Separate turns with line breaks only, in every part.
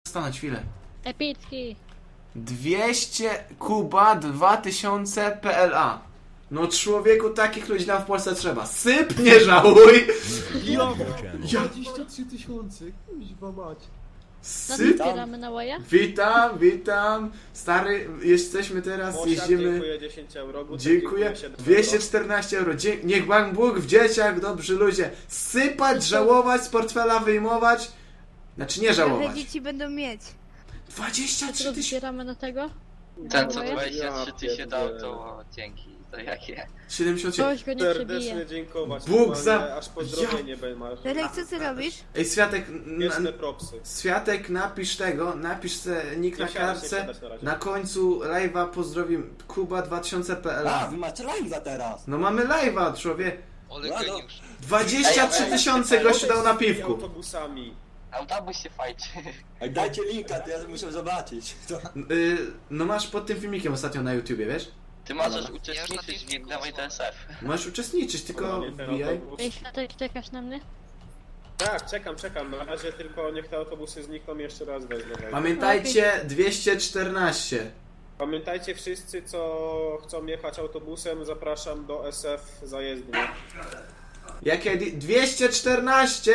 stanąć chwilę.
Epicki.
200 Kuba 2000 PLA. No człowieku, takich ludzi nam w Polsce trzeba. Syp, nie żałuj!
Ja, 23 tysiące, kuźwa mać.
No
Syp.
zbieramy na łaja?
Witam, witam. Stary, jesteśmy teraz,
Mosiak,
jeździmy.
dziękuję 10 euro. Gutek,
Dziękuję.
7 euro.
214 euro. Niech Pan Bóg w dzieciach, dobrzy ludzie. Sypać, żałować, z portfela wyjmować. Znaczy nie
Trochę
żałować.
dzieci będą mieć.
23
Co
tysiące.
zbieramy na tego?
Ten co
Ja
23 ty się dał,
pierdzielę.
to dzięki, to jakie?
77.
Ktoś go nie
Serdecznie
przebije.
dziękować.
Bóg
normalnie,
za-
Aż pozdrowienie masz.
Derek, co ty robisz?
Ej, Światek,
Wieczne propsy.
Światek, napisz tego, napisz se nick na
Nie siadać, nie
kartce.
siadać na razie.
Na końcu live'a pozdrowim Kuba 2000
A,
PLA.
wy macie live'a teraz.
No mamy live'a, człowiek.
Ole
No, no.
geniusz.
23 tysiące gościu dał na piwku.
Autobusami.
Autobus się fajczy.
Ej, dajcie linka, to ja muszę zobaczyć. To...
No masz pod tym filmikiem ostatnio na YouTubie, wiesz?
Ty możesz uczestniczyć w Dawaj DSF.
Możesz uczestniczyć, tylko
Normalnie ten
wbijaj.
autobus.
Ej, Światek, czekasz na mnie?
Tak, czekam. Na razie tylko niech te autobusy znikną jeszcze raz wezmę.
Pamiętajcie, 214.
Pamiętajcie wszyscy, co chcą jechać autobusem, zapraszam do SF zajezdni.
Jakie 214!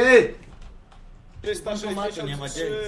363.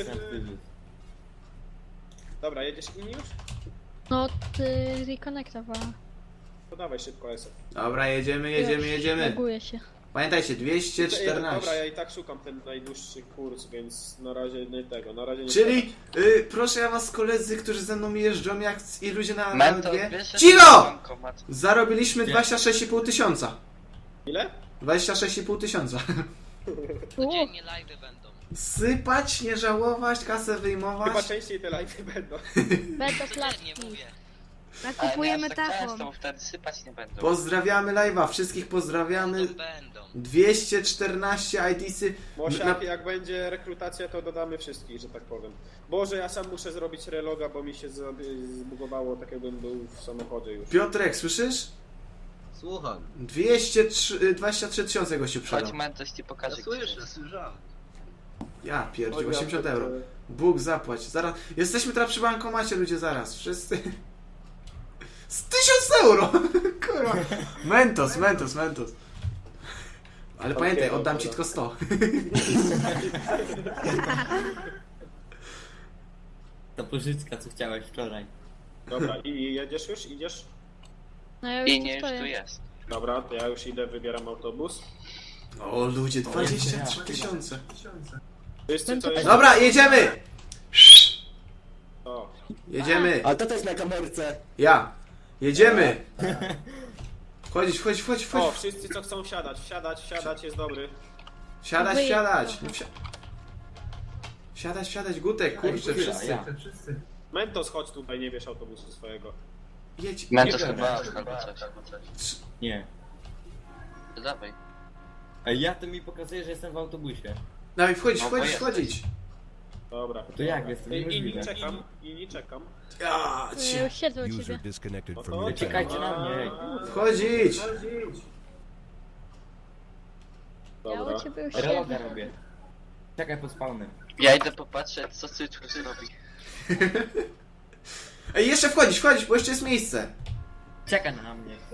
Dobra, jedziesz inni już?
No, ty reconnectowała.
To dawaj szybko SF.
Dobra, jedziemy.
Loguję się.
Pamiętajcie,
Dobra,
214.
ja i tak szukam ten najdłuższy kurs, więc na razie nie tego, na razie nie.
Czyli, proszę ja was koledzy, którzy ze mną jeżdżą, jak i ludzie na
Mentor,
LG.
wiesz, że
Cicho!
to bankomat.
Zarobiliśmy 26,5 tysiąca.
Ile?
26,5 tysiąca.
Codziennie live'y będą.
Sypać, nie żałować, kasę
Chyba
wyjmować.
częściej te live'y będą.
Będą
Codziennie
klatki.
mówię.
Ale nie
Nakupujemy
aż tak często,
tafon.
bo wtedy sypać nie będą.
Pozdrawiamy live'a, wszystkich pozdrawiamy.
Będą.
214 IDsy.
Mosiak, jak będzie rekrutacja, to dodamy wszystkich, że tak powiem. Boże, ja sam muszę zrobić reloga, bo mi się zbugowało, tak jakbym był w samochodzie już.
Piotrek, słyszysz?
Słucham.
23 tysiące gościu
Chodź
sprzedał.
Mentos ci pokaże. gdzie jest.
słyszałem.
Ja pierdzie,
Oj, ja
80
to-
euro. Bóg zapłać. Zaraz. Jesteśmy teraz przy bankomacie, ludzie, zaraz. Wszyscy. Z 1000 euro! Kurwa. Mentos. Ale pamiętaj, oddam ci
dobra.
tylko 100.
Ta pożyczka, co chciałeś wczoraj.
Dobra, i jedziesz już? Idziesz?
No ja już
I
tu
nie, już
stoję.
tu jest.
Dobra, to ja już idę, wybieram autobus.
O ludzie, 23 tysiące.
Wszyscy, co jest...
Dobra, jedziemy!
O,
Jedziemy.
Ale to jest na kamerce.
Ja. Jedziemy. Wchodzić.
o, wszyscy, co chcą wsiadać, jest dobry.
Wsiadać. No Wsiadać, Gutek, kurczę,
chwila,
wszyscy.
ja.
Mentos, chodź tutaj, nie wiesz autobusu swojego.
Jedź.
Mentos chyba albo coś.
Nie.
To dawaj.
Ej, ja to mi pokazuje, że jestem w autobusie.
Dawaj,
No,
wchodzić.
Dobra.
To jak jestem?
Inni
Niemożliwe.
czekam.
Ja
Ja
cię.
już siedzę u
User
ciebie.
disconnected
No
from
to
your
Czekajcie
channel.
na mnie, ej.
Wchodzić.
Ja
Dobra.
u ciebie już
Reloga
siedzę.
robię. Czekaj pod spawnem.
Ja idę popatrzeć, co Cytrus robi.
Ej, jeszcze wchodzić, bo jeszcze jest miejsce.
Czekaj na mnie, to.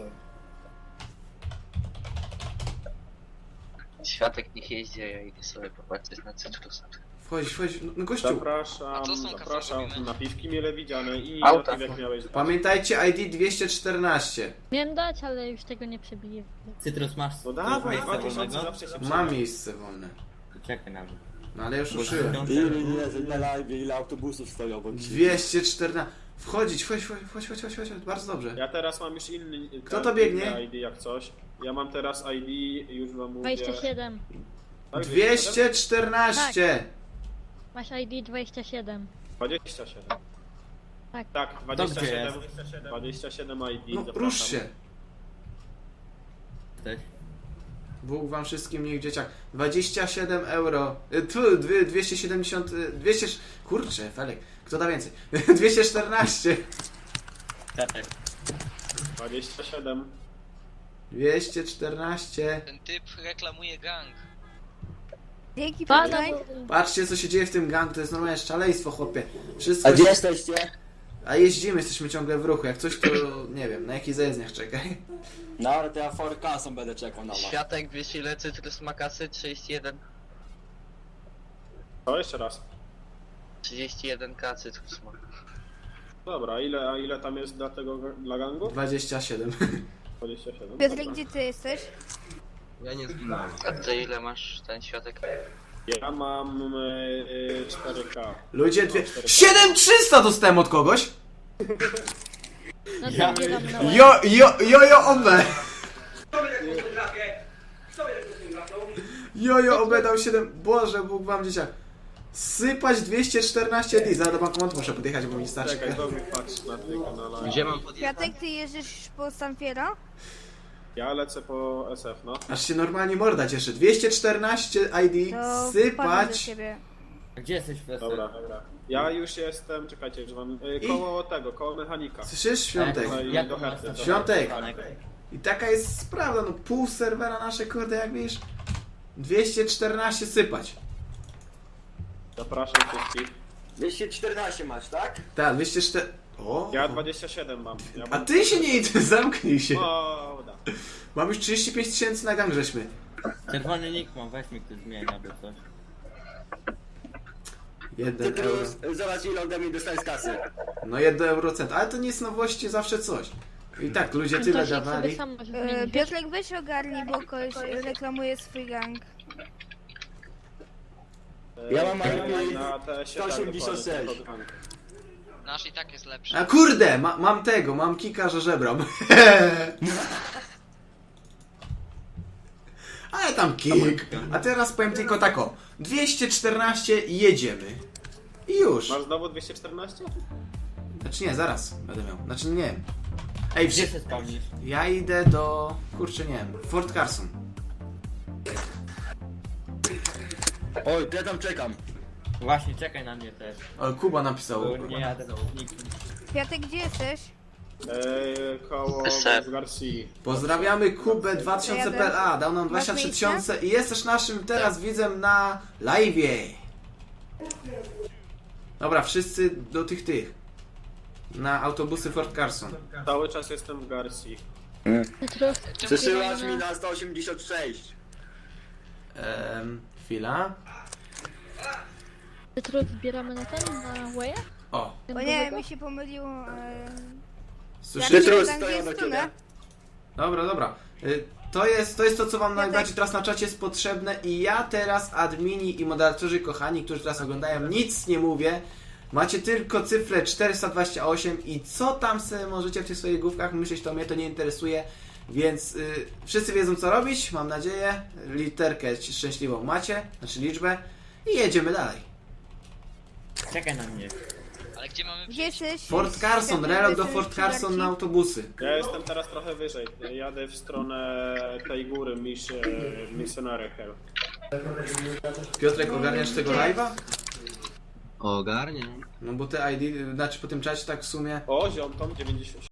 Światek niech jeździ, a ja idę sobie popatrzeć na Cytrusa.
Wchodzić. No gościu.
Zapraszam,
A co są
zapraszam.
kafe
Napiwki mile widziane i
Auta.
napiwek miałeś dać.
Pamiętajcie ID 214.
Miałem dać, ale już tego nie przebiję.
Cytrus, masz
No dawaj,
miejsce
2000
wolnego?
zawsze się
Mam
przyda.
miejsce wolne.
Czekaj na mnie.
No ale już ruszyłem.
Ile na live, ile autobusów stoją obok siebie.
214. Wchodzić, chodź. Bardzo dobrze.
Ja teraz mam już inny...
Kto to biegnie?
ID jak coś. Ja mam teraz ID, już wam mówię.
27.
Tak,
214.
Masz ID 27.
27.
Tak.
Tak,
Dobrze
27. 27 ID.
No
zapraszam.
rusz się.
Jesteś?
Bóg wam wszystkim niech dzieciak. 27 euro. Tu 270. 200. Kurczę, Felek. Kto da więcej? 214.
Czekaj.
27.
214.
Ten typ reklamuje gang.
Dzięki,
Pana,
Piotrek.
Patrzcie, co się dzieje w tym gangu, to jest normalne szaleństwo, chłopie. Wszystko
A gdzie jesteście?
A jeździmy, jesteśmy ciągle w ruchu. Jak coś, to nie wiem, na jakich zajezdniach czekaj.
No ale to ja forecastem będę czekał na was.
Światek, wiesz ile cytrus ma kasy? 31.
To jeszcze raz.
31k cytrus ma.
Dobra, a ile tam jest dla gangu?
27.
27.
Piotrek,
Dobra.
gdzie ty jesteś?
Ja nie zginąłem.
A ty ile masz ten światek?
Ja mam 4K.
Ludzie, 7300 dostałem od kogoś!
no to
Ja
zbieram na
Jojo obe! Jojo obe dał 7... Boże, Bóg wam dzieciak. Sypać 214 dni. Zaraz do bankomatu muszę podjechać, bo mi starczy.
Czekaj, dobrze patrz na tej kanale.
Gdzie mam podjechać?
Piotrek, ty jeździsz po Sanfiero?
Ja lecę po SF, no.
Aż się normalnie morda cieszy. 214 ID,
To wpadnę do
sypać...
ciebie.
A gdzie jesteś, Fesek?
Dobra. Ja już jestem, czekajcie, że mam koło tego, koło mechanika.
Słyszysz? Świątek.
No i do herty.
Świątek. I taka jest sprawa, no pół serwera nasze, kurde, jak wiesz, 214 sypać.
Zapraszam wszystkich.
214 masz, tak?
Tak, 204... O!
Ja 27 mam. Ja
A
mam...
ty się nie idź, zamknij się.
O, uda.
Mam już 35 tysięcy na gang, żeśmy.
Czerwony nick mam, weź mi ktoś zmienia, albo coś.
1 euro.
Cytrus, zobacz ile ode mnie dostałeś z kasy.
No 1 eurocent, ale to nie jest nowości, zawsze coś. I tak, ludzie tyle
Antosik sobie
dawali.
sam może zmienić.
Piotrek, weź ogarnij, bo ktoś reklamuje swój gang.
Ja mam
Na TS-ie
186.
tak, dokładnie.
Nasz i tak jest lepszy.
A kurde, mam tego, mam kika, że żebram. Ale tam kik. A teraz powiem tylko tak o. 214 i jedziemy. I już.
Masz znowu 214?
Znaczy nie, zaraz będę miał. Znaczy nie wiem. Ej,
Gdzie się spełnisz?
ja idę do... Kurczę, nie wiem. Fort Carson.
Oj, to ja tam czekam.
Właśnie, czekaj na mnie też.
O, Kuba napisał.
Bo nie jadę do nikim.
Piotrek, gdzie jesteś?
Koło
SF.
Garcia.
Pozdrawiamy Kubę 2000PLA. Dał nam 23 tysiące i jest też naszym teraz widzem na live'ie. Dobra, wszyscy do tych. Na autobusy Fort Carson.
Cały czas jestem w Garcia.
Cytrus,
Przesyłasz mi na 186.
Chwila.
Cytrus zbieramy na ten, na Waya?
O,
O nie, mi się pomyliło.
słyszycie?
Cytrus
tam, gdzie
stoją
jest
do ciebie.
Dobra, dobra. To jest to, co wam najbardziej teraz na czacie jest potrzebne i ja teraz, admini i moderatorzy kochani, którzy teraz oglądają, nic nie mówię. Macie tylko cyfrę 428 i co tam sobie możecie w tych swoich główkach myśleć, to mnie to nie interesuje. Więc wszyscy wiedzą co robić, mam nadzieję. Literkę szczęśliwą macie, znaczy liczbę i jedziemy dalej.
Czekaj na mnie.
Ale gdzie mamy
Gdzie jesteś?
Fort Carson, relok do Fort Carson na autobusy.
Ja jestem teraz trochę wyżej. Jadę w stronę tej góry, Missionary Hill.
Piotrek, ogarniasz tego live'a?
Ogarnie.
No bo te ID, znaczy po tym czasie tak w sumie
O, ziom, Tom 90.